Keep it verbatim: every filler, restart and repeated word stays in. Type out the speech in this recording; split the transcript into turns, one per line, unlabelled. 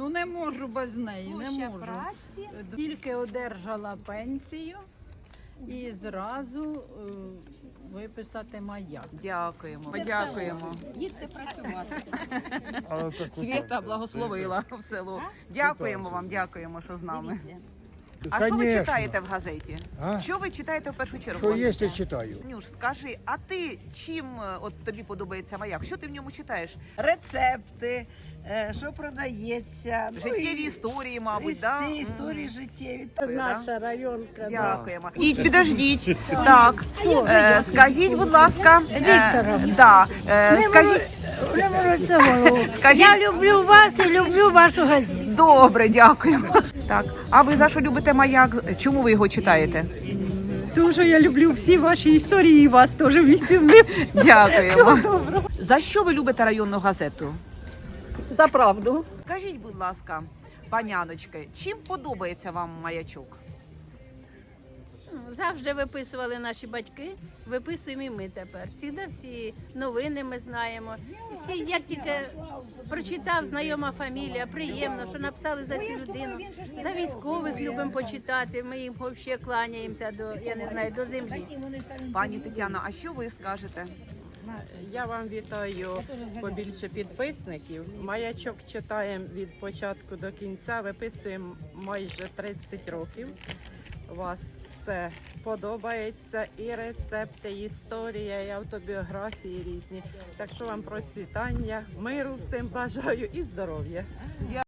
Ну не можу без неї, не
Площа
можу.
праці.
Тільки одержала пенсію і зразу е, виписати маяк.
Дякуємо, дякуємо.
Їдьте працювати.
Свята благословила в село. Дякуємо вам, дякуємо, що з нами. А що ви
Конечно.
читаєте в газеті?
А?
Що ви читаєте в першу чергу?
Що
в
є,
газеті?
то читаю.
Нюш, скажи, а ти чим е, от тобі подобається маяк? Що ти в ньому читаєш?
Рецепти, е, що продається,
Життєві історії, мабуть, да?
історії, історії життєві.
Наша районка.
Дякуємо. І підождіть. Так, е, скажіть, будь ласка, е, да, е, скажіть, скажіть,
Я люблю вас і люблю вашу газету.
добре, дякуємо. Так, а ви за що любите маяк? Чому ви його читаєте?
Дуже я люблю всі ваші історії і вас теж в місті з ним.
Дякуємо. За що ви любите районну газету?
За правду.
Скажіть, будь ласка, паняночки, чим подобається вам маячок?
Завжди виписували наші батьки, виписуємо і ми тепер. Всігда всі новини ми знаємо. Всі, як тільки прочитав знайома фамілія, приємно, що написали за цю людину. За військових любимо почитати, ми їм взагалі кланяємося до, я не знаю, до землі.
Пані Тетяно, а що ви скажете?
Я вам вітаю побільше підписників. Маячок читаємо від початку до кінця, виписуємо майже тридцять років. У вас все подобається, і рецепти, і історія, і автобіографії різні. Так що вам процвітання, миру всім бажаю і здоров'я.